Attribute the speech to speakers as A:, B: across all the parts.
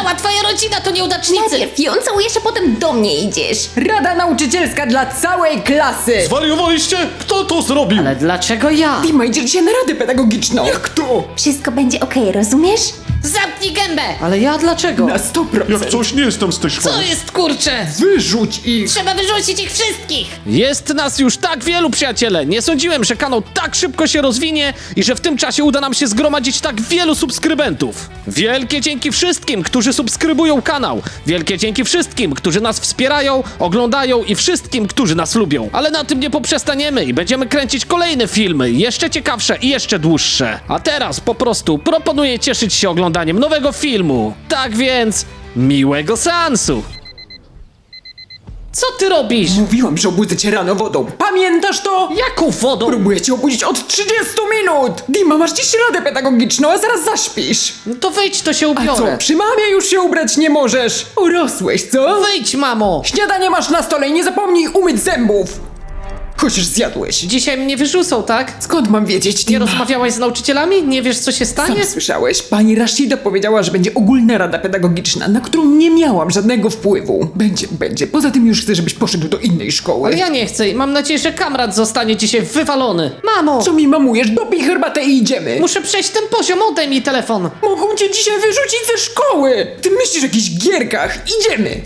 A: Cała twoja rodzina to nieudacznicy.
B: Najpierw ją całujesz, a potem do mnie idziesz.
C: Rada nauczycielska dla całej klasy!
D: Zwariowaliście? Kto to zrobił?
A: Ale dlaczego ja?
C: Dima, idziesz dzisiaj na radę pedagogiczną! Jak to?
B: Wszystko będzie okej, rozumiesz?
A: Zamknij gębę!
E: Ale ja dlaczego?
C: Na 100%!
D: Jak coś nie jestem z tej szkoły.
A: Co jest, kurczę?
C: Wyrzuć ich!
A: Trzeba wyrzucić ich wszystkich!
E: Jest nas już tak wielu, przyjaciele! Nie sądziłem, że kanał tak szybko się rozwinie i że w tym czasie uda nam się zgromadzić tak wielu subskrybentów. Wielkie dzięki wszystkim, którzy subskrybują kanał. Wielkie dzięki wszystkim, którzy nas wspierają, oglądają i wszystkim, którzy nas lubią. Ale na tym nie poprzestaniemy i będziemy kręcić kolejne filmy, jeszcze ciekawsze i jeszcze dłuższe. A teraz po prostu proponuję cieszyć się oglądaniem nowego filmu. Tak więc, miłego seansu! Co ty robisz?
C: Mówiłam, że obudzę cię rano wodą. Pamiętasz to?
E: Jaką wodą?
C: Próbuję cię obudzić od 30 minut! Dima, masz dziś radę pedagogiczną, a zaraz zaśpisz!
E: No to wyjdź, to się
C: A
E: ubiorę.
C: co, przy mamie już się ubrać nie możesz? Urosłeś, co?
E: Wyjdź, mamo!
C: Śniadanie masz na stole i nie zapomnij umyć zębów! Chociaż zjadłeś.
E: Dzisiaj mnie wyrzucą, tak?
C: Skąd mam wiedzieć,
E: Nie
C: Dima?
E: rozmawiałaś z nauczycielami? Nie wiesz, co się stanie?
C: Sam słyszałeś, pani Rashida powiedziała, że będzie ogólna rada pedagogiczna, na którą nie miałam żadnego wpływu. Będzie. Poza tym już chcę, żebyś poszedł do innej szkoły.
E: Ale ja nie chcę i mam nadzieję, że kamrat zostanie dzisiaj wywalony. Mamo!
C: Co mi mamujesz? Dopij herbatę i idziemy.
E: Muszę przejść ten poziom, oddaj mi telefon.
C: Mogą cię dzisiaj wyrzucić ze szkoły. Ty myślisz o jakichś gierkach. Idziemy.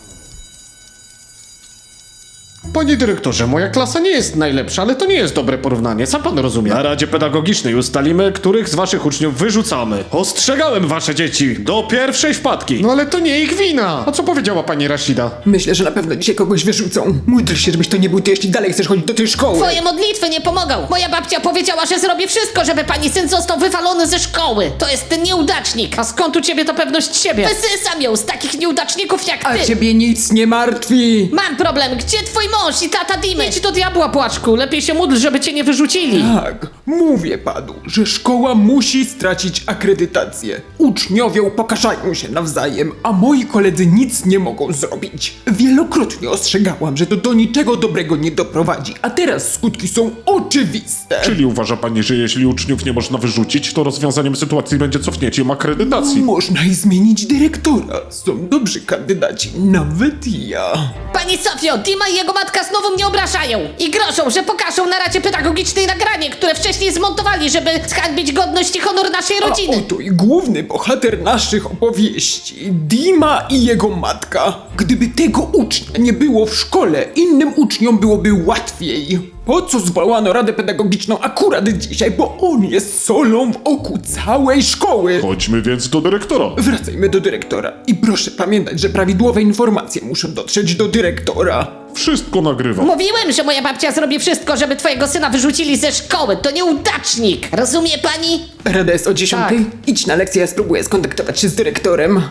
D: Panie dyrektorze, moja klasa nie jest najlepsza, ale to nie jest dobre porównanie, sam pan rozumie. Na Radzie Pedagogicznej ustalimy, których z waszych uczniów wyrzucamy. Ostrzegałem wasze dzieci do pierwszej wpadki. No ale to nie ich wina. A co powiedziała pani Rashida?
C: Myślę, że na pewno dzisiaj kogoś wyrzucą. Módl się, żebyś to nie był ty, jeśli dalej chcesz chodzić do tej szkoły.
A: Twoje modlitwy nie pomogą. Moja babcia powiedziała, że zrobi wszystko, żeby pani syn został wywalony ze szkoły. To jest ten nieudacznik.
E: A skąd u ciebie ta pewność siebie?
A: Wysysam ją z takich nieudaczników jak
C: A
A: ty.
C: ciebie nic nie martwi.
A: Mam problem. Gdzie twój mąż i tata Dimy?
E: Idź do diabła, płaczku. Lepiej się módl, żeby cię nie wyrzucili.
C: Tak, mówię panu, że szkoła musi stracić akredytację. Uczniowie upokarzają się nawzajem, a moi koledzy nic nie mogą zrobić. Wielokrotnie ostrzegałam, że to do niczego dobrego nie doprowadzi, a teraz skutki są oczywiste.
D: Czyli uważa pani, że jeśli uczniów nie można wyrzucić, to rozwiązaniem sytuacji będzie cofnięcie im akredytacji?
C: Można i zmienić dyrektora. Są dobrzy kandydaci, nawet ja.
A: Pani Sofio, Dima i jego matka znowu mnie obrażają. I grożą, że pokażą na Radzie Pedagogicznej nagranie, które wcześniej zmontowali, żeby zhańbić godność i honor naszej
C: A
A: rodziny.
C: oto i główny bohater naszych opowieści, Dima i jego matka. Gdyby tego ucznia nie było w szkole, innym uczniom byłoby łatwiej. Po co zwołano Radę Pedagogiczną akurat dzisiaj, bo on jest solą w oku całej szkoły.
D: Chodźmy więc do dyrektora.
C: Wracajmy do dyrektora i proszę pamiętać, że prawidłowe informacje muszą dotrzeć do dyrektora.
D: Wszystko nagrywam.
A: Mówiłem, że moja babcia zrobi wszystko, żeby twojego syna wyrzucili ze szkoły. To nieudacznik. Rozumie pani?
C: Rada jest o 10:00?
E: Tak.
C: Idź na lekcję, ja spróbuję skontaktować się z dyrektorem.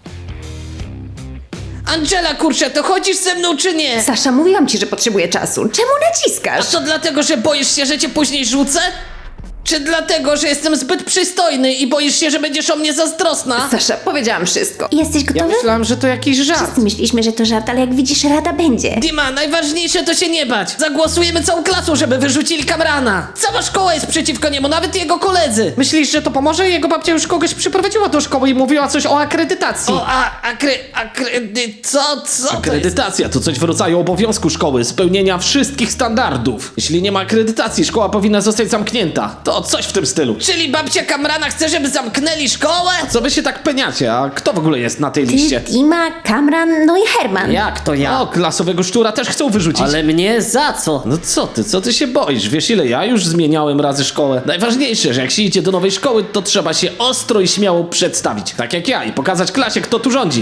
A: Angela, kurczę, to chodzisz ze mną czy nie?
B: Sasza, mówiłam ci, że potrzebuję czasu. Czemu
A: A
B: naciskasz?
A: co dlatego, że boisz się, że cię później rzucę? Czy dlatego, że jestem zbyt przystojny i boisz się, że będziesz o mnie zazdrosna?
B: Sasza, powiedziałam wszystko. Jesteś
E: Ja
B: gotowy?
E: myślałem, że to jakiś żart.
B: Wszyscy myśleliśmy, że to żart, ale jak widzisz, rada będzie.
A: Dima, najważniejsze to się nie bać. Zagłosujemy całą klasą, żeby wyrzucili Kamrana. Cała szkoła jest przeciwko niemu, nawet jego koledzy.
E: Myślisz, że to pomoże? Jego babcia już kogoś przyprowadziła do szkoły i mówiła coś o akredytacji.
A: O, co?
E: Akredytacja to coś w rodzaju obowiązku szkoły, spełnienia wszystkich standardów. Jeśli nie ma akredytacji, szkoła powinna zostać zamknięta. To coś w tym stylu.
A: Czyli babcia Kamrana chce, żeby zamknęli szkołę?
E: Co wy się tak peniacie? A kto w ogóle jest na tej
B: Ty,
E: liście?
B: Dima, Kamran, no i Herman.
F: Jak to ja?
E: O, klasowego szczura też chcą wyrzucić.
F: Ale mnie za co?
E: No co ty się boisz? Wiesz ile ja już zmieniałem razy szkołę? Najważniejsze, że jak się idzie do nowej szkoły, to trzeba się ostro i śmiało przedstawić. Tak jak ja i pokazać klasie, kto tu rządzi.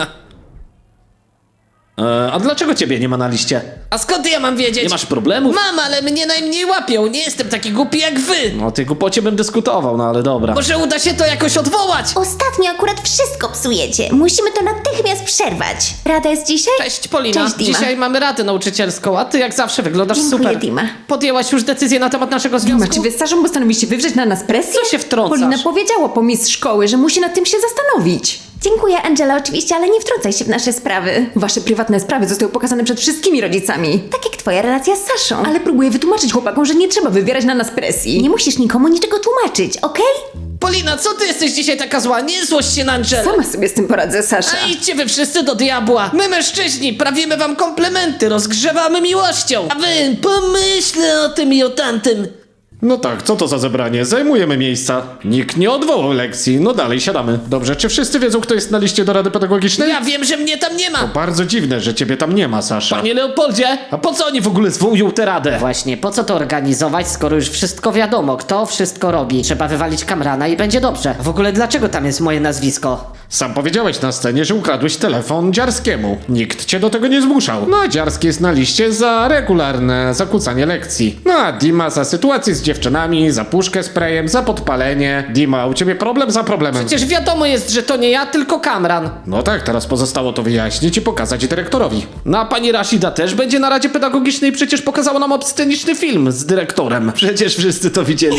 E: A dlaczego ciebie nie ma na liście?
A: A skąd ja mam wiedzieć?
E: Nie masz problemów?
A: Mam, ale mnie najmniej łapią. Nie jestem taki głupi jak wy.
E: No o tej głupocie bym dyskutował, no ale dobra.
A: Może uda się to jakoś odwołać?
B: Ostatnio akurat wszystko psujecie. Musimy to natychmiast przerwać. Rada jest dzisiaj?
E: Cześć Polina,
B: Cześć, Dima.
E: dzisiaj mamy radę nauczycielską, a ty jak zawsze wyglądasz
B: Dziękuję,
E: super.
B: Dima.
E: Podjęłaś już decyzję na temat naszego
C: Dima,
E: związku?
C: czy wy z Saszą postanowiliście wywrzeć na nas presję?
E: Co się wtrącasz?
C: Polina powiedziała po mistrz szkoły, że musi nad tym się zastanowić.
B: Dziękuję, Angela, oczywiście, ale nie wtrącaj się w nasze sprawy.
C: Wasze prywatne sprawy zostały pokazane przed wszystkimi rodzicami.
B: Tak jak twoja relacja z Saszą.
C: Ale próbuję wytłumaczyć chłopakom, że nie trzeba wywierać na nas presji.
B: nie musisz nikomu niczego tłumaczyć, okej?
A: Polina, co ty jesteś dzisiaj taka zła? Nie złość się na Angelę.
F: Sama sobie z tym poradzę, Sasza.
A: A idźcie wy wszyscy do diabła. My mężczyźni prawimy wam komplementy, rozgrzewamy miłością. A wy pomyślę o tym i o tamtym.
D: No tak, co to za zebranie? Zajmujemy miejsca. Nikt nie odwołał lekcji, no dalej siadamy. Dobrze, czy wszyscy wiedzą, kto jest na liście do Rady Pedagogicznej?
A: Ja wiem, że mnie tam nie ma.
D: Bardzo dziwne, że ciebie tam nie ma, Sasza.
E: Panie Leopoldzie, a po co oni w ogóle zwołują tę radę?
A: Właśnie, po co to organizować, skoro już wszystko wiadomo, kto wszystko robi? Trzeba wywalić Kamrana i będzie dobrze. W ogóle dlaczego tam jest moje nazwisko?
D: Sam powiedziałeś na scenie, że ukradłeś telefon Dziarskiemu. Nikt cię do tego nie zmuszał. No a Dziarski jest na liście za regularne zakłócanie lekcji. No a Dima za sytuację z dziewczynami, za puszkę sprayem, za podpalenie. Dima, u ciebie problem za problemem.
A: Przecież wiadomo jest, że to nie ja, tylko Kamran.
D: No tak, teraz pozostało to wyjaśnić i pokazać dyrektorowi.
E: No a pani Rashida też będzie na Radzie Pedagogicznej, przecież pokazała nam obsceniczny film z dyrektorem. Przecież wszyscy to widzieli.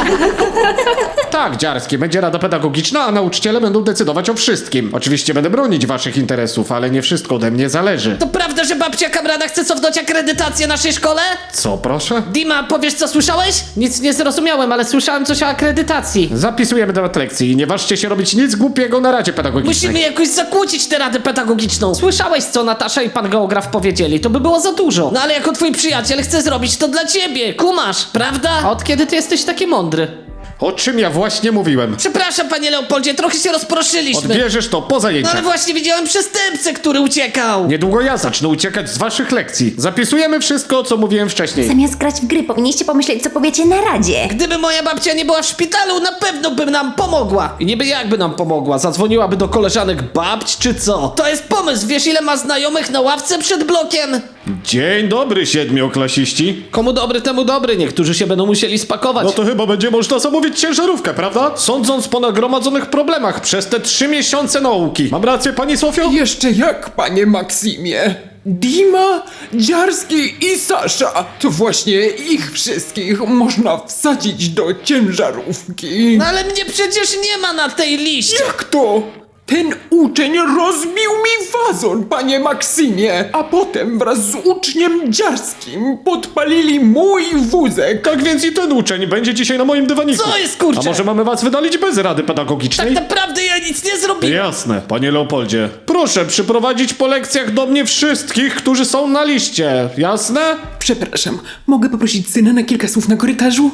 D: Tak, Dziarski, będzie rada pedagogiczna, a nauczyciele będą decydować o wszystkim. Oczywiście będę bronić waszych interesów, ale nie wszystko ode mnie zależy.
A: To prawda, że babcia Kamrana chce cofnąć akredytację naszej szkole?
D: Co, proszę?
A: Dima, powiesz co słyszałeś?
E: Nic nie zrozumiałem, ale słyszałem coś o akredytacji.
D: Zapisujemy temat lekcji i nie ważcie się robić nic głupiego na Radzie Pedagogicznej.
A: Musimy jakoś zakłócić tę radę pedagogiczną.
E: Słyszałeś, co Natasza i pan geograf powiedzieli, to by było za dużo.
A: No ale jako twój przyjaciel chcę zrobić to dla ciebie, kumasz, prawda?
E: A od kiedy ty jesteś taki mądry?
D: O czym ja właśnie mówiłem?
A: Przepraszam, panie Leopoldzie, trochę się rozproszyliśmy.
D: Odbierzesz to po
A: No
D: zajęciach.
A: ale właśnie widziałem przestępcę, który uciekał.
D: Niedługo ja zacznę uciekać z waszych lekcji. Zapisujemy wszystko, co mówiłem wcześniej.
B: Zamiast grać w gry, powinniście pomyśleć, co powiecie na radzie.
A: Gdyby moja babcia nie była w szpitalu, na pewno by nam pomogła.
E: I niby jakby nam pomogła? Zadzwoniłaby do koleżanek babć, czy co?
A: To jest pomysł, wiesz ile ma znajomych na ławce przed blokiem?
D: Dzień dobry, siedmioklasiści.
E: Komu dobry, temu dobry. Niektórzy się będą musieli spakować.
D: No to chyba będzie można zamówić ciężarówkę, prawda? Sądząc po nagromadzonych problemach przez te 3 miesiące nauki. Mam rację, pani Sofio?
C: Jeszcze jak, panie Maksimie? Dima, Dziarski i Sasza. To właśnie ich wszystkich można wsadzić do ciężarówki.
A: No ale mnie przecież nie ma na tej liście.
C: Jak to? Ten uczeń rozbił mi wazon, panie Maksimie, a potem wraz z uczniem Dziarskim podpalili mój wózek.
D: Tak więc i ten uczeń będzie dzisiaj na moim dywaniku.
A: Co jest, kurczę?
D: A może mamy was wydalić bez rady pedagogicznej?
A: Tak naprawdę ja nic nie zrobiłem.
D: Jasne, panie Leopoldzie. Proszę przyprowadzić po lekcjach do mnie wszystkich, którzy są na liście. Jasne?
C: Przepraszam, mogę poprosić syna na kilka słów na korytarzu?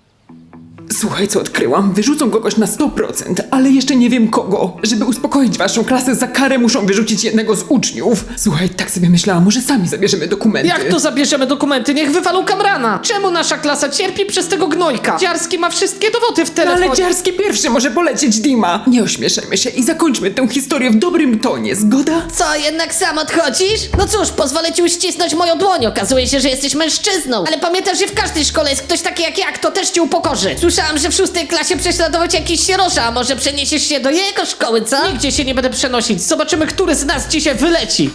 C: Słuchaj, co odkryłam. Wyrzucą kogoś na 100%, ale jeszcze nie wiem kogo. Żeby uspokoić waszą klasę, za karę muszą wyrzucić jednego z uczniów. Słuchaj, tak sobie myślałam, może sami zabierzemy dokumenty.
E: Jak to zabierzemy dokumenty? Niech wywalą Kamrana. Czemu nasza klasa cierpi przez tego gnojka? Dziarski ma wszystkie dowody w
C: No
E: telefonie.
C: ale Dziarski pierwszy może polecieć, Dima. Nie ośmieszajmy się i zakończmy tę historię w dobrym tonie, zgoda?
A: Co, jednak sam odchodzisz? No cóż, pozwolę ci uścisnąć moją dłoń. Okazuje się, że jesteś mężczyzną. Ale pamiętasz, że w każdej szkole jest ktoś taki jak ja, kto też cię upokorzy. Słyszałam, że w 6. klasie prześladował cię jakiś sierosza, a może przeniesiesz się do jego szkoły, co?
E: Nigdzie się nie będę przenosić. Zobaczymy, który z nas dzisiaj wyleci.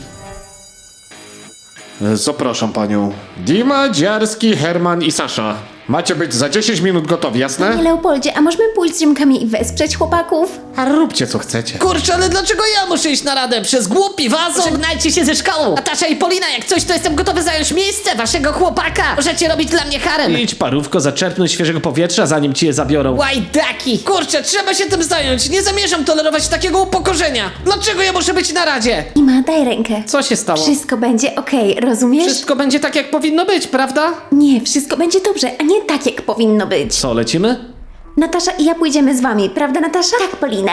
D: Zapraszam panią. Dima, Dziarski, Herman i Sasza. Macie być za 10 minut gotowi, jasne?
B: Panie Leopoldzie, a możemy pójść z Rzymkami i wesprzeć chłopaków?
D: A róbcie co chcecie.
A: Kurczę, ale dlaczego ja muszę iść na radę? Przez głupi wazon? Żegnajcie się ze szkołą. Natasza i Polina, jak coś, to jestem gotowy zająć miejsce waszego chłopaka. Możecie robić dla mnie harem.
E: Idź parówko, zaczerpnąć świeżego powietrza, zanim ci je zabiorą.
A: Łajdaki! Kurczę, trzeba się tym zająć. Nie zamierzam tolerować takiego upokorzenia. Dlaczego ja muszę być na radzie?
B: Ima, daj rękę.
E: Co się stało?
B: Wszystko będzie okej, rozumiesz?
E: Wszystko będzie tak, jak powinno być, prawda?
B: Nie, wszystko będzie dobrze, a nie tak, jak powinno być.
E: Co, lecimy?
B: Natasza i ja pójdziemy z wami, prawda Natasza? Tak, Polina.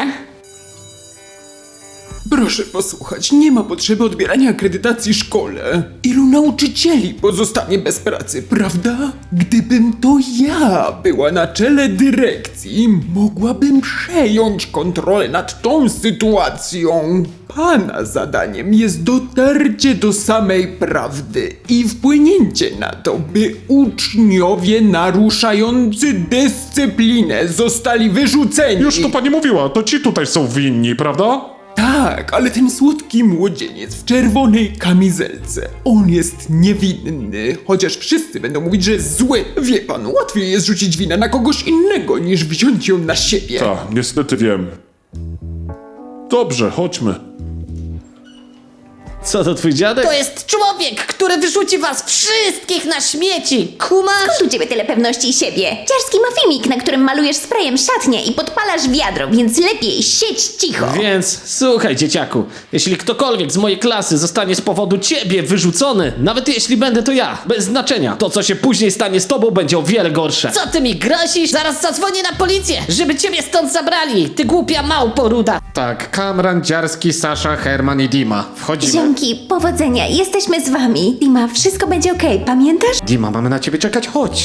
C: Proszę posłuchać, nie ma potrzeby odbierania akredytacji szkole. Ilu nauczycieli pozostanie bez pracy, prawda? Gdybym to ja była na czele dyrekcji, mogłabym przejąć kontrolę nad tą sytuacją. Pana zadaniem jest dotarcie do samej prawdy i wpłynięcie na to, by uczniowie naruszający dyscyplinę zostali wyrzuceni.
D: Już to pani mówiła, to ci tutaj są winni, prawda?
C: Tak, ale ten słodki młodzieniec w czerwonej kamizelce, on jest niewinny, chociaż wszyscy będą mówić, że jest zły. Wie pan, łatwiej jest rzucić winę na kogoś innego, niż wziąć ją na siebie.
G: Tak, niestety wiem. Dobrze, chodźmy.
E: Co to twój dziadek?
A: To jest człowiek, który wyrzuci was wszystkich na śmieci. Kumasz?
B: Skąd u ciebie tyle pewności siebie? Dziarski ma filmik, na którym malujesz sprayem szatnię i podpalasz wiadro, więc lepiej siedź cicho.
E: Więc słuchaj, dzieciaku, jeśli ktokolwiek z mojej klasy zostanie z powodu ciebie wyrzucony, nawet jeśli będę to ja, bez znaczenia, to co się później stanie z tobą będzie o wiele gorsze.
A: Co ty mi grozisz? Zaraz zadzwonię na policję, żeby ciebie stąd zabrali. Ty głupia małpo ruda.
D: Tak, Kamran, Dziarski, Sasza, Herman i Dima. Wchodzimy.
B: Dzięki, powodzenia, jesteśmy z wami. Dima, wszystko będzie okej, pamiętasz?
D: Dima, mamy na ciebie czekać, chodź.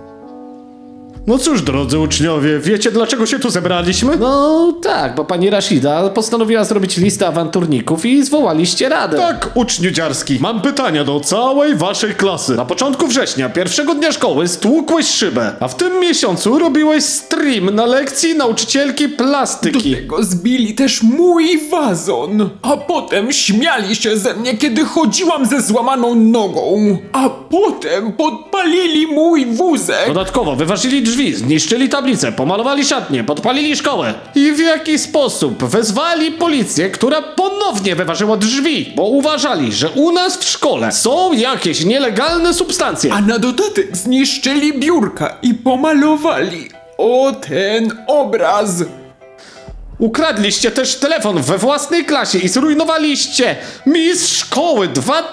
D: No cóż, drodzy uczniowie, wiecie dlaczego się tu zebraliśmy?
E: No tak, bo pani Rashida postanowiła zrobić listę awanturników i zwołaliście radę.
D: Tak, uczniu Dziarski, mam pytania do całej waszej klasy. Na początku września, pierwszego dnia szkoły, stłukłeś szybę, a w tym miesiącu robiłeś stream na lekcji nauczycielki
C: Do
D: plastyki.
C: tego zbili też mój wazon. A potem śmiali się ze mnie, kiedy chodziłam ze złamaną nogą. A potem podpalili mój wózek.
E: Dodatkowo wyważyli drzwi, zniszczyli tablicę, pomalowali szatnię, podpalili szkołę. I w jaki sposób wezwali policję, która ponownie wyważyła drzwi, bo uważali, że u nas w szkole są jakieś nielegalne substancje.
C: A na dodatek zniszczyli biurka i pomalowali o ten obraz.
E: Ukradliście też telefon we własnej klasie i zrujnowaliście mistrz szkoły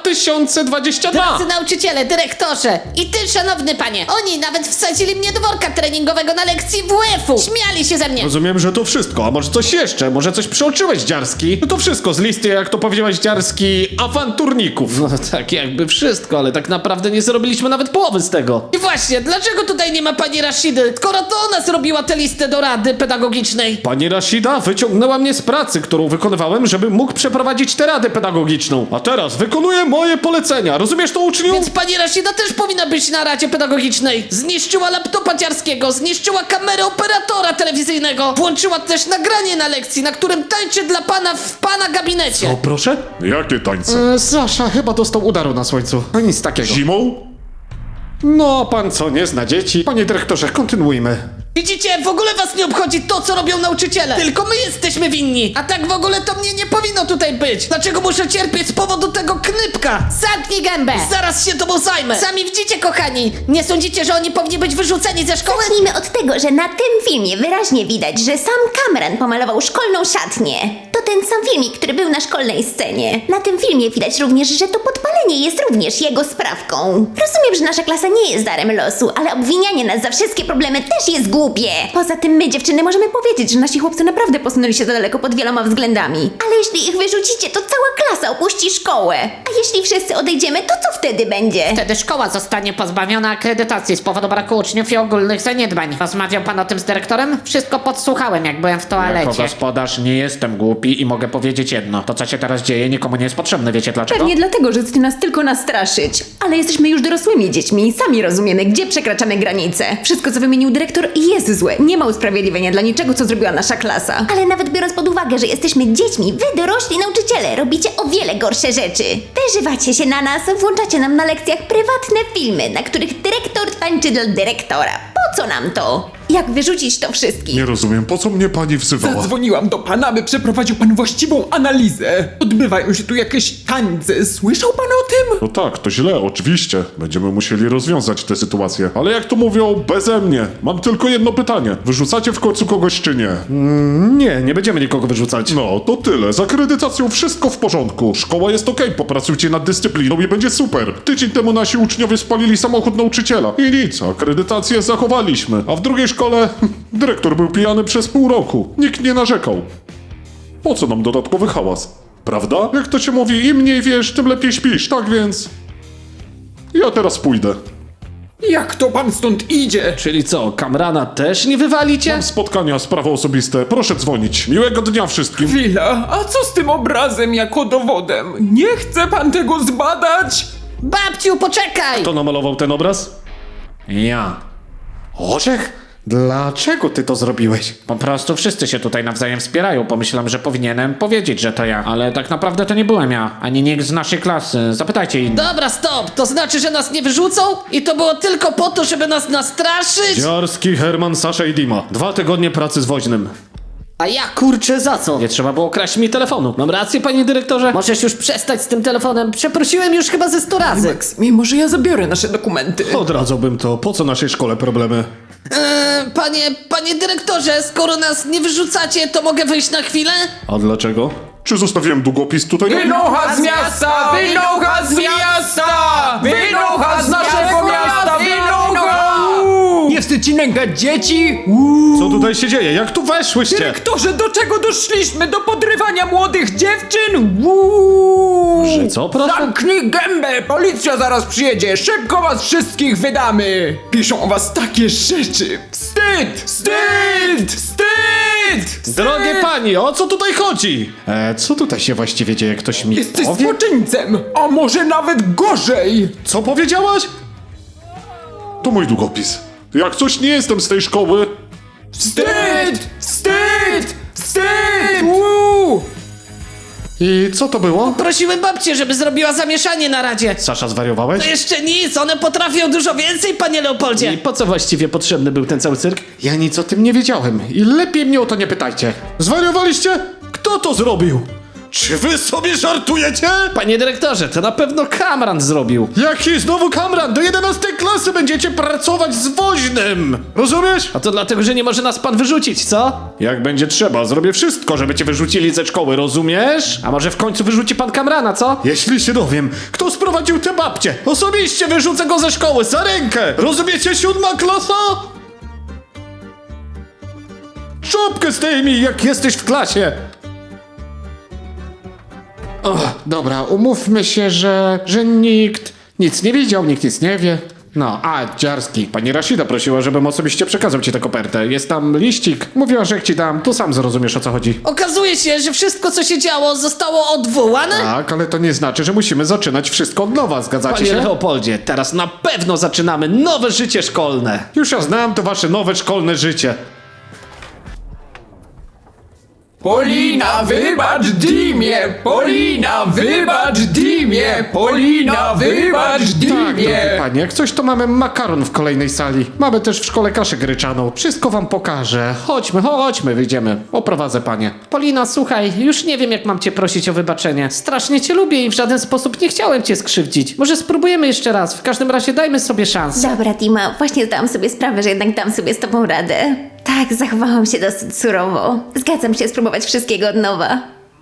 E: 2022.
A: Drodzy nauczyciele, dyrektorze i ty, szanowny panie, oni nawet wsadzili mnie do worka treningowego na lekcji WF-u. Śmiali się ze mnie.
D: Rozumiem, że to wszystko, a może coś jeszcze? Może coś przeoczyłeś, Dziarski? No to wszystko z listy, jak to powiedziałeś, Dziarski, awanturników.
E: No tak jakby wszystko, ale tak naprawdę nie zrobiliśmy nawet połowy z tego.
A: I właśnie, dlaczego tutaj nie ma pani Rashidy, skoro to ona zrobiła tę listę do rady pedagogicznej?
D: Pani Rashida wyciągnęła mnie z pracy, którą wykonywałem, żeby mógł przeprowadzić tę radę pedagogiczną. A teraz wykonuję moje polecenia. Rozumiesz to, uczniu?
A: Więc pani Rashida też powinna być na radzie pedagogicznej. Zniszczyła laptopa Dziarskiego, zniszczyła kamerę operatora telewizyjnego, włączyła też nagranie na lekcji, na którym tańczy dla pana w pana gabinecie.
D: O, proszę?
F: Jakie tańce?
D: Sasza chyba dostał udaru na słońcu. No nic takiego.
F: Zimą?
D: No, pan co, nie zna dzieci? Panie dyrektorze, kontynuujmy.
A: Widzicie, w ogóle was nie obchodzi to, co robią nauczyciele. Tylko my jesteśmy winni. A tak w ogóle to mnie nie powinno tutaj być. Dlaczego muszę cierpieć z powodu tego knypka? Zamknij gębę. Zaraz się tobą zajmę. Sami widzicie, kochani. Nie sądzicie, że oni powinni być wyrzuceni ze szkoły?
B: Zacznijmy od tego, że na tym filmie wyraźnie widać, że sam Kamran pomalował szkolną szatnię. To ten sam filmik, który był na szkolnej scenie. Na tym filmie widać również, że to podpalenie jest również jego sprawką. Rozumiem, że nasza klasa nie jest darem losu, ale obwinianie nas za wszystkie problemy też jest głupie. Poza tym my, dziewczyny, możemy powiedzieć, że nasi chłopcy naprawdę posunęli się za daleko pod wieloma względami. Ale jeśli ich wyrzucicie, to cała klasa opuści szkołę. A jeśli wszyscy odejdziemy, to co wtedy będzie?
A: Wtedy szkoła zostanie pozbawiona akredytacji z powodu braku uczniów i ogólnych zaniedbań. Rozmawiał pan o tym z dyrektorem? Wszystko podsłuchałem, jak byłem w
E: Jako
A: toalecie.
E: gospodarz nie jestem głupi i mogę powiedzieć jedno. To, co się teraz dzieje, nikomu nie jest potrzebne. Wiecie dlaczego?
G: Pewnie dlatego, że chcecie nas tylko nastraszyć. Ale jesteśmy już dorosłymi dziećmi i sami rozumiemy, gdzie przekraczamy granice. Wszystko, co wymienił dyrektor, jest złe. Nie ma usprawiedliwienia dla niczego, co zrobiła nasza klasa.
B: Ale nawet biorąc pod uwagę, że jesteśmy dziećmi, wy dorośli nauczyciele robicie o wiele gorsze rzeczy. Wyżywacie się na nas, włączacie nam na lekcjach prywatne filmy, na których dyrektor tańczy dla dyrektora. Po co nam to?
G: Jak wyrzucić to wszystkich?
F: Nie rozumiem, po co mnie pani wzywała?
C: Zadzwoniłam do pana, by przeprowadził pan właściwą analizę. Odbywają się tu jakieś tańce. Słyszał pan o tym?
F: No tak, to źle, oczywiście. Będziemy musieli rozwiązać tę sytuację. Ale jak to mówią, beze mnie. Mam tylko jedno pytanie. Wyrzucacie w końcu kogoś czy nie?
D: Nie, nie będziemy nikogo wyrzucać.
F: No, to tyle. Z akredytacją wszystko w porządku. Szkoła jest okej, popracujcie nad dyscypliną i będzie super. Tydzień temu nasi uczniowie spalili samochód nauczyciela. I nic, akredytację zachowaliśmy. A w drugiej szkole dyrektor był pijany przez pół roku. Nikt nie narzekał. Po co nam dodatkowy hałas? Prawda? Jak to się mówi, im mniej wiesz, tym lepiej śpisz, tak więc... Ja teraz pójdę.
C: Jak to pan stąd idzie?
E: Czyli co, Kamrana też nie wywalicie?
F: Mam spotkania, sprawy osobiste. Proszę dzwonić. Miłego dnia wszystkim.
C: Chwila, a co z tym obrazem jako dowodem? Nie chce pan tego zbadać?
A: Babciu, poczekaj!
D: Kto namalował ten obraz? Ja. Orzech? Dlaczego ty to zrobiłeś?
E: Po prostu wszyscy się tutaj nawzajem wspierają. Pomyślałem, że powinienem powiedzieć, że to ja. Ale tak naprawdę to nie byłem ja, ani nikt z naszej klasy. Zapytajcie innych.
A: Dobra, stop! To znaczy, że nas nie wyrzucą? I to było tylko po to, żeby nas nastraszyć?
D: Dziarski, Herman, Sasza i Dima. 2 tygodnie pracy z woźnym.
A: A ja kurczę za co?
E: Nie trzeba było kraść mi telefonu. Mam rację, panie dyrektorze?
A: Możesz już przestać z tym telefonem. Przeprosiłem już chyba ze 100 razy.
C: Max, mimo że ja zabiorę nasze dokumenty.
D: Odradzałbym to. Po co naszej szkole problemy?
A: Panie dyrektorze, skoro nas nie wyrzucacie, to mogę wyjść na chwilę?
D: A dlaczego?
F: Czy zostawiłem długopis tutaj?
C: Wynocha z miasta! Wynocha z miasta! Wynocha z naszego miasta! Wynocha! Nie wstyd ci nękać dzieci?
D: Co tutaj się dzieje? Jak tu weszłyście?
C: Dyrektorze, do czego doszliśmy? Do podrywania młodych dziewczyn?
E: Że co, proszę?
C: Zamknij gębę! Policja zaraz przyjedzie! Szybko was wszystkich wydamy! Piszą o was takie rzeczy! Wstyd! Wstyd! Wstyd!
D: Drogie pani, o co tutaj chodzi? Co tutaj się właściwie dzieje? Ktoś mi
C: Jesteś
D: powie?
C: złoczyńcem! A może nawet gorzej!
D: Co powiedziałaś?
F: To mój długopis. Jak coś nie jestem z tej szkoły,
C: Wstyd! Wstyd! Wstyd!
D: I co to było?
A: Prosiłem babcię, żeby zrobiła zamieszanie na radzie.
D: Sasza, zwariowałeś?
A: To jeszcze nic, one potrafią dużo więcej, panie Leopoldzie.
E: I po co właściwie potrzebny był ten cały cyrk?
D: Ja nic o tym nie wiedziałem i lepiej mnie o to nie pytajcie. Zwariowaliście? Kto to zrobił? Czy wy sobie żartujecie?
E: Panie dyrektorze, to na pewno Kamran zrobił.
D: Jaki znowu Kamran? Do 11 klasy będziecie pracować z woźnym! Rozumiesz?
E: A to dlatego, że nie może nas pan wyrzucić, co?
D: Jak będzie trzeba, zrobię wszystko, żeby cię wyrzucili ze szkoły, rozumiesz?
E: A może w końcu wyrzuci pan Kamrana, co?
D: Jeśli się dowiem, kto sprowadził tę babcię, osobiście wyrzucę go ze szkoły za rękę! Rozumiecie, 7. klasa? Czopkę zdejmij, jak jesteś w klasie! Dobra, umówmy się, że nikt nic nie widział, nikt nic nie wie. No, Dziarski. Pani Rashida prosiła, żebym osobiście przekazał ci tę kopertę. Jest tam liścik. Mówiła, że jak ci dam, to sam zrozumiesz, o co chodzi.
A: Okazuje się, że wszystko, co się działo, zostało odwołane?
D: Tak, ale to nie znaczy, że musimy zaczynać wszystko od nowa, zgadzacie
E: Panie
D: się?
E: Leopoldzie, teraz na pewno zaczynamy nowe życie szkolne.
D: Już ja znam to wasze nowe szkolne życie.
C: Polina, wybacz Dimie! Polina, wybacz Dimie! Polina, wybacz
D: Tak, drogie
C: Dimie!
D: panie, jak coś to mamy makaron w kolejnej sali. Mamy też w szkole kaszę gryczaną. Wszystko wam pokażę. Chodźmy, wyjdziemy. Oprowadzę panie.
E: Polina, słuchaj, już nie wiem, jak mam cię prosić o wybaczenie. Strasznie cię lubię i w żaden sposób nie chciałem cię skrzywdzić. Może spróbujemy jeszcze raz, w każdym razie dajmy sobie szansę.
B: Dobra, Dima, właśnie zdałam sobie sprawę, że jednak dam sobie z tobą radę. Tak, zachowałam się dosyć surowo. Zgadzam się spróbować wszystkiego od nowa.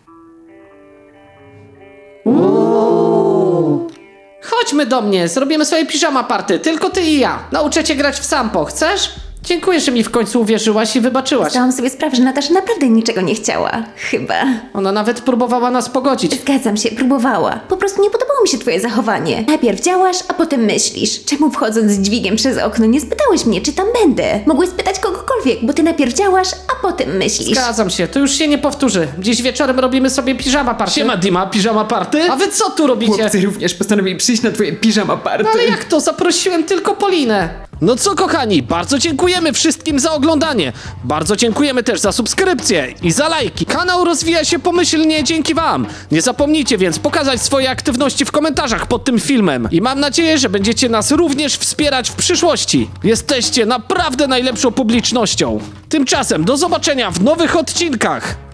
E: Chodźmy do mnie, zrobimy sobie piżama party, tylko ty i ja. Nauczę cię grać w sampo, chcesz? Dziękuję, że mi w końcu uwierzyłaś i wybaczyłaś.
B: Zdałam sobie sprawę, że Natasza naprawdę niczego nie chciała. Chyba.
E: Ona nawet próbowała nas pogodzić.
B: Zgadzam się, próbowała. Po prostu nie podobało mi się twoje zachowanie. Najpierw działasz, a potem myślisz. Czemu wchodząc z dźwigiem przez okno nie spytałeś mnie, czy tam będę? Mogłeś spytać kogokolwiek, bo ty najpierw działasz, a potem myślisz.
E: Zgadzam się, to już się nie powtórzy. Dziś wieczorem robimy sobie piżama party. Siema Dima, piżama party? A wy co tu robicie?
C: Chłopcy również postanowili przyjść na twoje piżama party.
E: No ale jak to? Zaprosiłem tylko Polinę. No co kochani, bardzo dziękujemy wszystkim za oglądanie. Bardzo dziękujemy też za subskrypcje i za lajki. Kanał rozwija się pomyślnie dzięki wam. Nie zapomnijcie więc pokazać swoje aktywności w komentarzach pod tym filmem. I mam nadzieję, że będziecie nas również wspierać w przyszłości. Jesteście naprawdę najlepszą publicznością. Tymczasem do zobaczenia w nowych odcinkach.